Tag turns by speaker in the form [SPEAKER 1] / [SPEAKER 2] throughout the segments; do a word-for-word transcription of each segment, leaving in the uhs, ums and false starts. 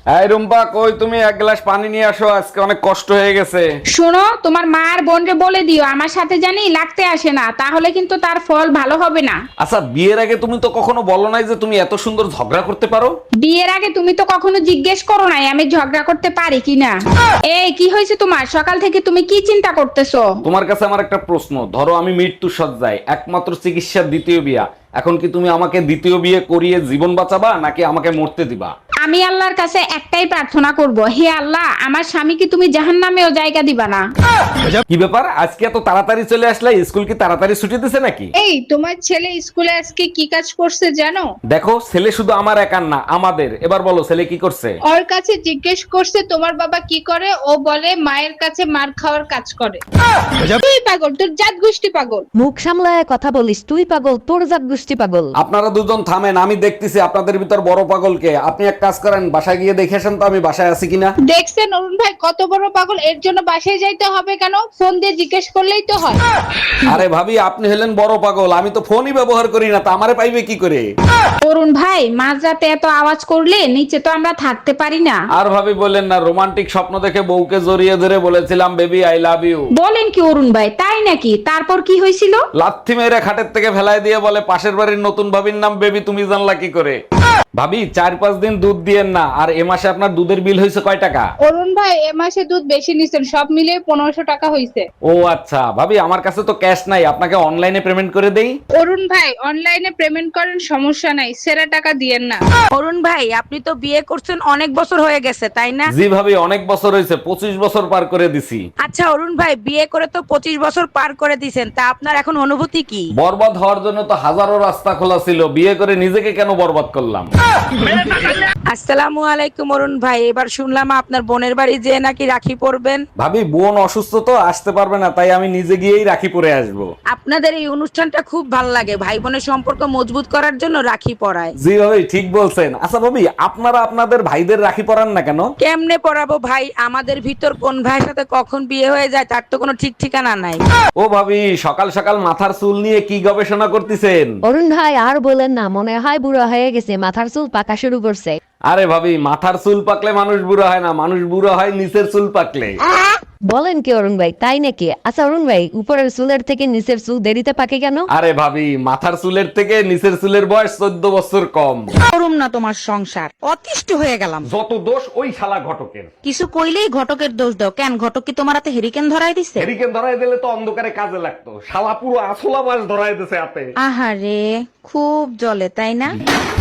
[SPEAKER 1] এই রুম্পা, কই তুমি? এক গ্লাস পানি নিয়ে আসো, আজকে অনেক কষ্ট হয়ে গেছে।
[SPEAKER 2] শোনো, তোমার মা আর বোনকে বলে দিও আমার সাথে জানি লাগতে আসে না, তাহলে কিন্তু তার ফল ভালো হবে না।
[SPEAKER 1] আচ্ছা, বিয়ের আগে তুমি তো কখনো বলো নাই যে তুমি এত সুন্দর ঝগড়া করতে পারো।
[SPEAKER 2] বিয়ের আগে তুমি তো কখনো জিজ্ঞেস করো নাই আমি ঝগড়া করতে পারি কিনা। এই কি হয়েছে তোমার? সকাল থেকে তুমি কি চিন্তা করতেছো?
[SPEAKER 1] তোমার কাছে আমার একটা প্রশ্ন, ধরো আমি মৃত্যু সজ্জায়, একমাত্র চিকিৎসার দ্বিতীয় বিয়া, এখন কি তুমি আমাকে দ্বিতীয় বিয়ে করিয়ে জীবন বাঁচাবা নাকি আমাকে মরতে দিবা?
[SPEAKER 2] আমি আল্লাহর কাছে একটাই প্রার্থনা করব, হে আল্লাহ, আমার স্বামীকে তুমি জাহান্নামেও জায়গা দিবা না।
[SPEAKER 1] কি ব্যাপার, আজকে এত তাড়াতাড়ি চলে আসলে? স্কুল কি তাড়াতাড়ি ছুটি দিছে নাকি?
[SPEAKER 3] এই তোমার ছেলে স্কুলে আজকে কি কাজ করছে জানো?
[SPEAKER 1] দেখো, ছেলে শুধু আমার একার না, আমাদের। এবার বলো, ছেলে কি করছে?
[SPEAKER 3] ওর কাছে জিজ্ঞেস করছে তোমার বাবা কি করে, ও বলে মায়ের কাছে মার খাওয়ার কাজ করে। তুই পাগল, তোর জাত গোষ্ঠী পাগল।
[SPEAKER 4] মুখ সামলায় কথা বলিস, তুই পাগল, তোর জাত গোষ্ঠী পাগল।
[SPEAKER 1] আপনারা দুজন থামেন, আমি দেখতেছি আপনাদের ভিতর বড় পাগলকে। আপনি এক কাজ করেন, বাসায় গিয়ে দেখে আসেন তো আমি বাসায় আছি কিনা।
[SPEAKER 3] দেখছেন অরুণ ভাই কত বড় পাগল, এর জন্য বাসায় যাইতে হবে কেন? ফোন দিয়ে জিজ্ঞেস করলেই তো হয়।
[SPEAKER 1] আরে ভাবি, আপনি হলেন বড় পাগল, আমি তো ফোনই ব্যবহার করি না, তা আমারে পাইবে কি করে?
[SPEAKER 2] অরুণ ভাই, মাঝরাতে এত আওয়াজ করলে নিচে তো আমরা থাকতে পারি না।
[SPEAKER 1] আর ভাবি বললেন না, রোমান্টিক স্বপ্ন দেখে বউকে জড়িয়ে ধরে বলেছিলাম বেবি আই লাভ ইউ।
[SPEAKER 2] বলেন কি অরুণ ভাই, তাই নাকি? তারপর কি হয়েছিল?
[SPEAKER 1] লাথি মেরে খাটের থেকে ফেলায় দিয়ে বলে পাশের বাড়ির নতুন ভাবির নাম বেবি, তুমি জানলা কি করে? ভাবি, চার পাঁচ দিন দুধ দিয়েন না, আর এ মাসে আপনার দুধের বিল হয়েছে কয় টাকা?
[SPEAKER 3] অরুণ ভাই এ মাসে দুধ বেশি নিছেন, সব মিলিয়ে পনেরোশো টাকা হয়েছে।
[SPEAKER 1] ও আচ্ছা ভাবি, আমার কাছে তো ক্যাশ নাই, আপনাকে অনলাইনে পেমেন্ট করে দেই।
[SPEAKER 3] অরুণ ভাই অনলাইনে পেমেন্ট করেন, সমস্যা নাই, সেরা টাকা দিয়েন না।
[SPEAKER 5] অরুণ ভাই, আপনি তো বিয়ে করছেন অনেক বছর হয়ে গেছে তাই না?
[SPEAKER 1] জি ভাবি, অনেক বছর হয়েছে, পঁচিশ বছর পার করে দিছি।
[SPEAKER 5] আচ্ছা অরুণ ভাই, বিয়ে করে তো পঁচিশ বছর পার করে দিছেন, তা আপনার এখন অনুভূতি কি?
[SPEAKER 1] বরবাদ হওয়ার জন্য তো হাজারো রাস্তা খোলা ছিল, বিয়ে করে নিজেকে কেন বরবাদ করলাম?
[SPEAKER 5] আসসালামু আলাইকুম অরুণ ভাই, এবার শুনলাম আপনার বোনের বাড়ি যে নাকি রাখি পরবেন।
[SPEAKER 1] ভাবি, বোন অসুস্থ তো আসতে পারবে না, তাই আমি নিজে গিয়েই রাখি পরে আসবো।
[SPEAKER 5] আপনাদের এই অনুষ্ঠানটা খুব ভালো লাগে, ভাই বোনের সম্পর্ক মজবুত করার জন্য রাখি পরায়।
[SPEAKER 1] জি ভাবি, ঠিক বলছেন। আচ্ছা ভাবি, আপনারা আপনাদের ভাইদের রাখি পরান না কেন?
[SPEAKER 5] কেমনে পরাবো ভাই, আমাদের ভিতর কোন ভাইয়ের সাথে কখন বিয়ে হয়ে যায় তার তো কোনো ঠিক ঠিকানা নাই।
[SPEAKER 1] ও ভাবি, সকাল সকাল মাথার চুল নিয়ে কি গবেষণা করতেছেন?
[SPEAKER 4] অরুণ ভাই আর বলেন না, মনে হয় বুড়ো হয়ে গেছে, মাথার চুল পাকা শুরু করছে।
[SPEAKER 1] আরে ভাবি, মাথার চুল পাকলে মানুষ বুড়ো হয় না, মানুষ বুড়ো হয় নিচের চুল পাকলে।
[SPEAKER 4] বলেন কি অরুণ ভাই, তাই নাকি? আচ্ছা অরুণ ভাই, উপরের চুলের থেকে নিচের চুল দেরিতে পাকে কেন?
[SPEAKER 1] আরে ভাবি, মাথার চুলের থেকে নিচের চুলের বয়স চোদ্দ বছর কম।
[SPEAKER 5] করুম না তোমার সংসার, অতিষ্ঠ হয়ে গেলাম।
[SPEAKER 1] যত দোষ ওই শালা ঘটকের।
[SPEAKER 5] কিছু কইলেই ঘটকের দোষ দাও কেন? ঘটক কি তোমার হাতে হেরিকেন ধরাই দিছে?
[SPEAKER 1] হেরিকেন ধরাই দিলে তো অন্ধকারে কাজে লাগতো, শালা পুরো আসলা মাছ ধরাই দিছে হাতে।
[SPEAKER 5] আহারে, খুব জলে তাই না?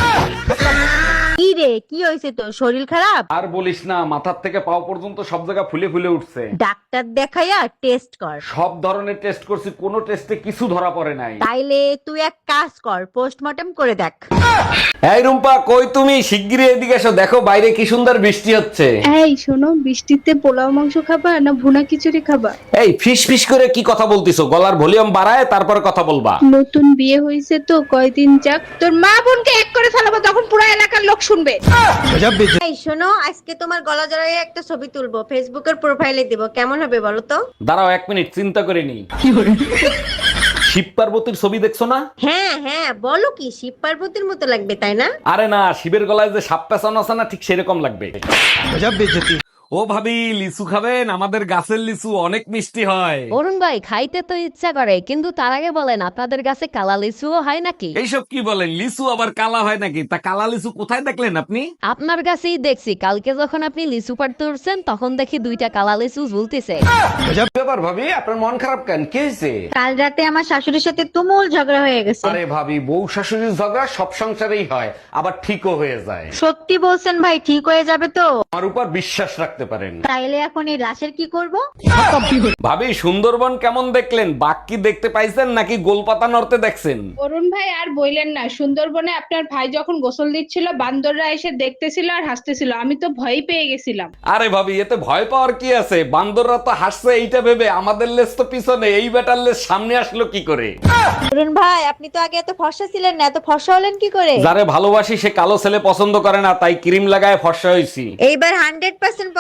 [SPEAKER 5] কি রে, কি হয়েছে তোর? শরীর খারাপ?
[SPEAKER 1] আর বলিস না, মাথার থেকে পাও পর্যন্ত সব জায়গা ফুলে ফুলে উঠছে।
[SPEAKER 5] ডাক্তার দেখাইয়া টেস্ট কর।
[SPEAKER 1] সব ধরনের টেস্ট করছি, কোনো টেস্টে কিছু ধরা পড়ে নাই।
[SPEAKER 5] তাইলে তুই এক কাজ কর, পোস্টমর্টম করে দেখ।
[SPEAKER 1] এই রুম্পা, কই তুমি? শিগগিরই এদিকে এসো, দেখো বাইরে কি সুন্দর বৃষ্টি হচ্ছে।
[SPEAKER 3] এই শোনো, বৃষ্টিতে পোলাও মাংস খাবা না ভুনা খিচুড়ি খাবা?
[SPEAKER 1] এই ফিস ফিস করে কি কথা বলতিছো? গলার ভলিউম বাড়ায় তারপর কথা বলবা।
[SPEAKER 3] নতুন বিয়ে হয়েছে তো কয়দিন যাক, তোর মা বোনকে এক করে ফেলাবো, তখন পুরো এলাকার লোক শুনবে।
[SPEAKER 6] এই শোনো, আজকে তোমার গলা জড়াইয়ে একটা ছবি তুলবো, ফেসবুকের প্রোফাইলে দিব, কেমন হবে বলো তো?
[SPEAKER 1] দাঁড়াও এক মিনিট, চিন্তা করে নি। শিব পার্বতীর ছবি দেখছো না?
[SPEAKER 6] হ্যাঁ হ্যাঁ, বলো কি, শিব পার্বতীর মতো লাগবে তাই না?
[SPEAKER 1] আরে না, শিবের গলায় যে সাপ পেছানো আছে না, ঠিক সেরকম লাগবে। ও ভাবি, লিচু খাবেন? আমাদের গাছের লিচু অনেক মিষ্টি হয়।
[SPEAKER 4] অরুণ ভাই, খাইতে তো ইচ্ছা করে, কিন্তু তার আগে বলেন আপনাদের কাছে কালা লিচুও হয় নাকি?
[SPEAKER 1] এইসব কি বলেন? লিচু আবার কালা হয় নাকি? তা কালা লিচু কোথায় দেখলেন আপনি?
[SPEAKER 4] আপনার কাছেই দেখছি, কালকে যখন আপনি লিচু পাড়তে উঠছেন তখন দেখি দুইটা কালা লিচু ঝুলতেছে।
[SPEAKER 1] ব্যাপার ভাবি, আপনার মন খারাপ কেন? কি হয়েছে?
[SPEAKER 6] কাল রাতে আমার শাশুড়ির সাথে তুমুল ঝগড়া হয়ে গেছে।
[SPEAKER 1] আরে ভাবি, বউ শাশুড়ির ঝগড়া সব সংসারেই হয়, আবার ঠিকও হয়ে যায়।
[SPEAKER 6] সত্যি বলছেন ভাই, ঠিক হয়ে যাবে তো?
[SPEAKER 1] আমার উপর বিশ্বাস রাখতে পারেন।
[SPEAKER 6] তাইলে এখন এই লাশের কি করব?
[SPEAKER 1] ভাবি, সুন্দরবন কেমন দেখলেন? বাঘ কি দেখতে পাইছেন নাকি গোলপাতা নড়তে দেখছেন?
[SPEAKER 3] অরুণ ভাই আর বইলেন না, সুন্দরবনে আপনার ভাই যখন গোসল দিচ্ছিল বান্দররা এসে দেখতেছিল আর হাসতেছিল, আমি তো ভয় পেয়ে গেছিলাম।
[SPEAKER 1] আরে ভাবি, এতে ভয় পাওয়ার কি আছে? বান্দররা তো হাসছে এইটা ভেবে, আমাদের লেজ তো পিছনে, এই বেটার লেজ সামনে আসলো কি করে?
[SPEAKER 6] অরুণ ভাই, আপনি তো আগে এত ফর্সা ছিলেন না, এত ফর্সা হলেন কি করে?
[SPEAKER 1] যারে ভালোবাসি সে কালো ছেলে পছন্দ করে না, তাই ক্রিম লাগায় ফর্সা হইছি।
[SPEAKER 6] এইবার হান্ড্রেড পার্সেন্ট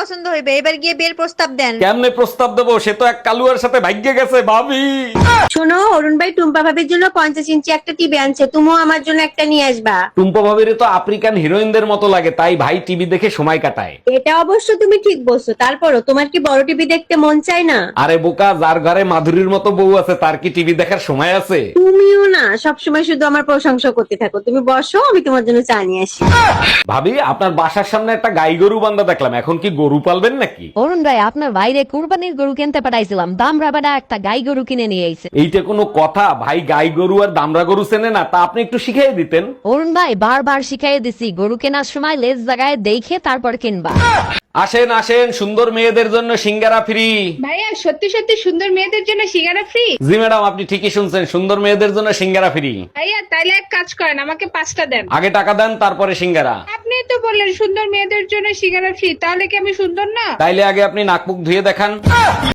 [SPEAKER 6] পছন্দ হইবে, এবার গিয়ে বিয়ের প্রস্তাব দেন।
[SPEAKER 1] কেমনে প্রস্তাব দেবো? সে তো এক কালুয়ার সাথে ভাগ্যে গেছে ভাবি।
[SPEAKER 6] শোনো, অরুণ ভাই টুম্পা ভাবির জন্য পঞ্চাশ ইঞ্চি একটা টিভি আনছে, তুমিও আমার জন্য একটা নিয়ে আসবা।
[SPEAKER 1] টুম্পা ভাবির তো আফ্রিকান হিরোইনদের মতো লাগে, তাই ভাই টিভি দেখে সময় কাটায়।
[SPEAKER 6] এটা অবশ্য তুমি ঠিক বলছো, তারপরও তোমার কি বড় টিভি দেখতে মন চায় না?
[SPEAKER 1] আরে বোকা, যার ঘরে মাধুরীর মতো বউ আছে তার কি টিভি দেখার সময় আছে?
[SPEAKER 6] তুমিও না সবসময় শুধু আমার প্রশংসা করতে থাকো। তুমি বসো, আমি তোমার জন্য চা নিয়ে আসি।
[SPEAKER 1] ভাবি, আপনার বাসার সামনে একটা গাই গরু বান্ধা দেখলাম, এখন কি গরু পালবেন নাকি?
[SPEAKER 4] অরুণ ভাই আপনার বাইরে কুরবানির গরু কিনতে পাঠাইছিলাম, দাম রাবাডা একটা গাই গরু কিনে নিয়ে আইছে।
[SPEAKER 1] এইটা কোনো কথা? ভাই গাই গরু আর দামরা গরু চেনে না, তা আপনি একটু শিখিয়ে দিতেন।
[SPEAKER 4] অরুণ ভাই বারবার শিখাই দিছি গরু কেনার সময় লেজ জায়গায় দেখে তারপর কিনবা।
[SPEAKER 1] আসেন আসেন, সুন্দর মেয়েদের জন্য সিঙ্গারা ফ্রি।
[SPEAKER 3] ভাইয়া সত্যি সত্যি সুন্দর মেয়েদের জন্য সিঙ্গারা ফ্রি?
[SPEAKER 1] জি ম্যাডাম, আপনি ঠিকই শুনছেন, সুন্দর মেয়েদের জন্য সিঙ্গারা ফ্রি।
[SPEAKER 3] ভাইয়া তাইলে এক কাজ করেন, আমাকে পাঁচটা দেন।
[SPEAKER 1] আগে টাকা দেন, তারপরে সিঙ্গারা।
[SPEAKER 3] আপনি তো বললেন সুন্দর মেয়েদের জন্য সিঙ্গারা ফ্রি, তাহলে কি আমি সুন্দর না?
[SPEAKER 1] তাইলে আগে আপনি নাক মুখ ধুয়ে দেখান।